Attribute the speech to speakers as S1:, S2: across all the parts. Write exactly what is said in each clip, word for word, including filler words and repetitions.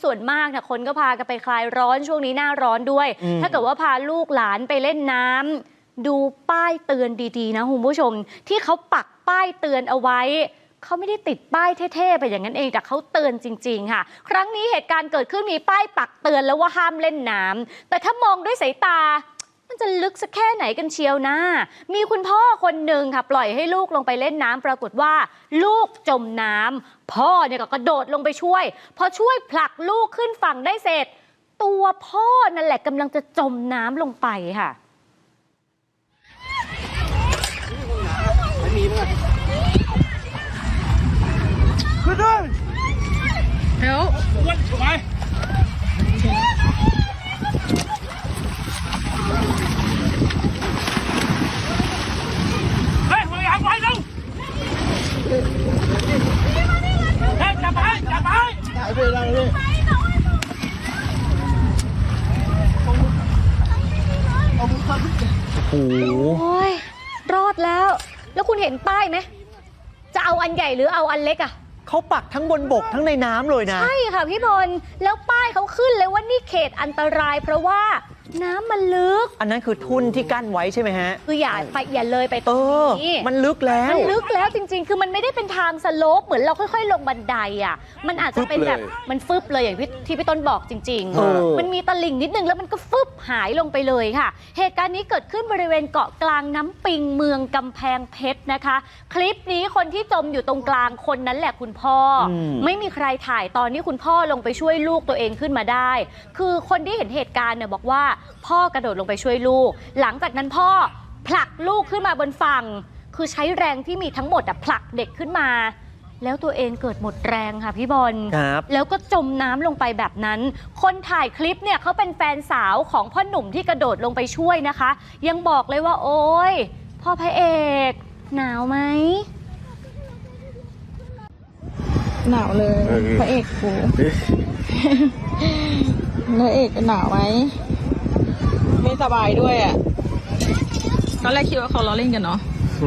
S1: ส่วนมากนะคนก็พากันไปคลายร้อนช่วงนี้หน้าร้อนด้วยถ้าเกิดว่าพาลูกหลานไปเล่นน้ำดูป้ายเตือนดีๆนะคุณผู้ชมที่เขาปักป้ายเตือนเอาไว้เขาไม่ได้ติดป้ายเท่ๆไปอย่างนั้นเองแต่เขาเตือนจริงๆค่ะครั้งนี้เหตุการณ์เกิดขึ้นมีป้ายปักเตือนแล้วว่าห้ามเล่นน้ำแต่ถ้ามองด้วยสายตามันจะลึกสักแค่ไหนกันเชียวนะมีคุณพ่อคนหนึ่งค่ะปล่อยให้ลูกลงไปเล่นน้ำปรากฏว่าลูกจมน้ำพ่อเนี่ยก็กระโดดลงไปช่วยพอช่วยผลักลูกขึ้นฝั่งได้เสร็จตัวพ่อนั่นแหละกำลังจะจมน้ำลงไปค่ะ
S2: ขึ้นด้วยเดี๋ยววันถูกไหมเฮ้ยมึงอย่าไปดูเฮ้ยจับไปจับไปจับไปเลย
S1: โอ้ยรอดแล้วแล้วคุณเห็นป้ายไหมจะเอาอันใหญ่หรือเอาอันเล็กอะ
S3: เขาปักทั้งบนบกทั้งในน้ำเลยนะ
S1: ใช่ค่ะพี่บอลแล้วป้ายเขาขึ้นเลยว่านี่เขตอันตรายเพราะว่าน้ำมันลึก
S3: อันนั้นคือทุ่นที่กั้นไว้ใช่ไหมฮะ
S1: คืออย่าไปอย่าเลยไปตรงนี้
S3: มันลึกแล้ว
S1: มันลึกแล้วจริงๆคือมันไม่ได้เป็นทางสโลปเหมือนเราค่อยๆลงบันไดอ่ะมันอาจจะเป็นแบบมันฟึบเลยอย่างที่พี่ต้นบอกจริงๆมันมีตลิ่งนิดนึงแล้วมันก็ฟึบหายลงไปเลยค่ะเหตุการณ์นี้เกิดขึ้นบริเวณเกาะกลางน้ำปิงเมืองกำแพงเพชรนะคะคลิปนี้คนที่จมอยู่ตรงกลางคนนั้นแหละคุณพ่อไม่มีใครถ่ายตอนนี้คุณพ่อลงไปช่วยลูกตัวเองขึ้นมาได้คือคนที่เห็นเหตุการณ์เนี่ยบอกว่าพ่อกระโดดลงไปช่วยลูกหลังจากนั้นพ่อผลักลูกขึ้นมาบนฝั่งคือใช้แรงที่มีทั้งหมดผลักเด็กขึ้นมาแล้วตัวเองเกิดหมดแรงค่ะพี่บอลแล้วก็จมน้ำลงไปแบบนั้นคนถ่ายคลิปเนี่ยเขาเป็นแฟนสาวของพ่อหนุ่มที่กระโดดลงไปช่วยนะคะยังบอกเลยว่าโอ๊ยพ่อพระเอกหนาวไหม
S4: หนาวเลยพระเอกกูพระเอกหนาวไหมไม่สบายด้วยอ่ะตอนแรกคิดว่าเขาล้อเล่นกันเนาะ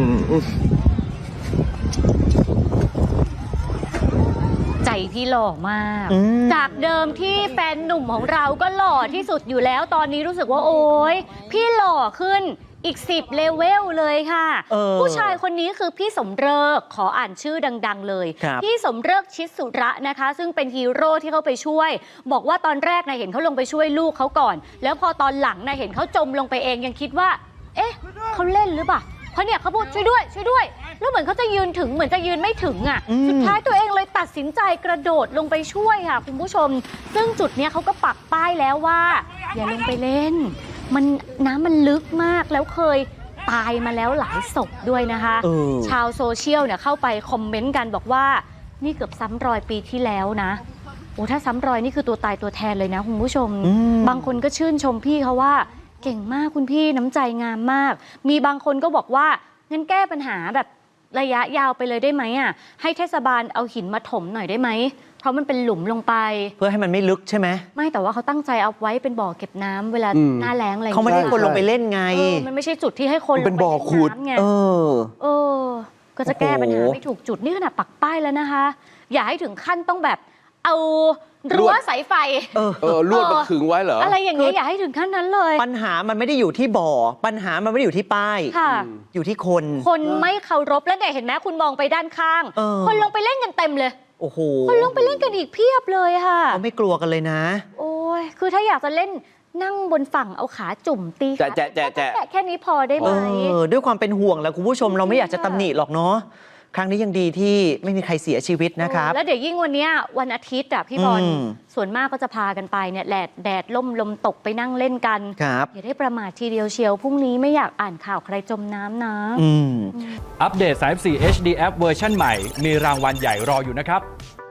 S1: ใจพี่หล่อมากจากเดิมที่แฟนหนุ่มของเราก็หล่อที่สุดอยู่แล้วตอนนี้รู้สึกว่าโอ๊ยพี่หล่อขึ้นอีกสิบเลเวลเลยค่ะผู้ชายคนนี้คือพี่สมฤกษ์ขออ่านชื่อดังๆเลยพี่สมฤกษ์ชิดสุระนะคะซึ่งเป็นฮีโร่ที่เขาไปช่วยบอกว่าตอนแรกนะเห็นเขาลงไปช่วยลูกเขาก่อนแล้วพอตอนหลังนะเห็นเขาจมลงไปเองยังคิดว่าเอ๊ะเขาเล่นหรือเปล่าเพราะเนี่ยเขาพูดช่วยด้วยช่วยด้วยแล้วเหมือนเขาจะยืนถึงเหมือนจะยืนไม่ถึงอ่ะสุดท้ายตัวเองเลยตัดสินใจกระโดดลงไปช่วยค่ะคุณผู้ชมซึ่งจุดเนี้ยเขาก็ปักป้ายแล้วว่าอย่าลงไปเล่นมันน้ำมันลึกมากแล้วเคยตายมาแล้วหลายศพด้วยนะคะชาวโซเชียลเนี่ยเข้าไปคอมเมนต์กันบอกว่านี่เกือบซ้ำรอยปีที่แล้วนะโอ้ถ้าซ้ำรอยนี่คือตัวตายตัวแทนเลยนะคุณผู้ชมบางคนก็ชื่นชมพี่เขาว่าเก่งมากคุณพี่น้ำใจงามมากมีบางคนก็บอกว่างั้นแก้ปัญหาแบบระยะยาวไปเลยได้ไหมอ่ะให้เทศบาลเอาหินมาถมหน่อยได้ไหมเพราะมันเป็นหลุมลงไป
S3: เพื่อให้มันไม่ลึกใช่ไหมไม่
S1: แต่ว่าเขาตั้งใจเอาไว้เป็นบ่อเก็บน้ำเวลาหน้าแล้งอะไร
S3: เขาไม่ได้คนลงไปเล่นไง
S1: มันไม่ใช่จุดที่ให้คนลงไปเล่นน้ำไงเออเออก็จะแก้ปัญหาไม่ถูกจุดนี่ขนาดปักป้ายแล้วนะคะอย่าให้ถึงขั้นต้องแบบเอารั้วสายไฟ
S2: เออลวดมาขึงไว้เหรอ
S1: อะไรอย่างเงี้ยอย่าให้ถึงขั้นนั้นเลย
S3: ปัญหามันไม่ได้อยู่ที่บ่อปัญหามันไม่ได้อยู่ที่ป้ายอยู่ที่คน
S1: คนไม่เคารพแล้วเนี่ยเห็นไหมคุณมองไปด้านข้างคนลงไปเล่นกันเต็มเลย
S3: โอ้โห
S1: คนลงไปเล่นกันอีกเพียบเลยค่ะ
S3: เขาไม่กลัวกันเลยนะ
S1: โอ้ยคือถ้าอยากจะเล่นนั่งบนฝั่งเอาขาจุ่มตีขาแจะแค่นี้พอได้ไหม
S3: ด้วยความเป็นห่วงแหละคุณผู้ชมเราไม่อยากจะตำหนิหรอกเนาะครั้งนี้ยังดีที่ไม่มีใครเสียชีวิตนะครับ
S1: แล้วเดี๋ยวยิ่งวันนี้วันอาทิตย์อ่ะพี่บอลส่วนมากก็จะพากันไปเนี่ยแดดแดดล่มลมตกไปนั่งเล่นกันอย่าได้ประมาททีเดียวเชียวพรุ่งนี้ไม่อยากอ่านข่าวใครจมน้ำนะ
S5: อัปเดต สามสิบสี่ เอช ดี App เวอร์ชันใหม่มีรางวัลใหญ่รออยู่นะครับ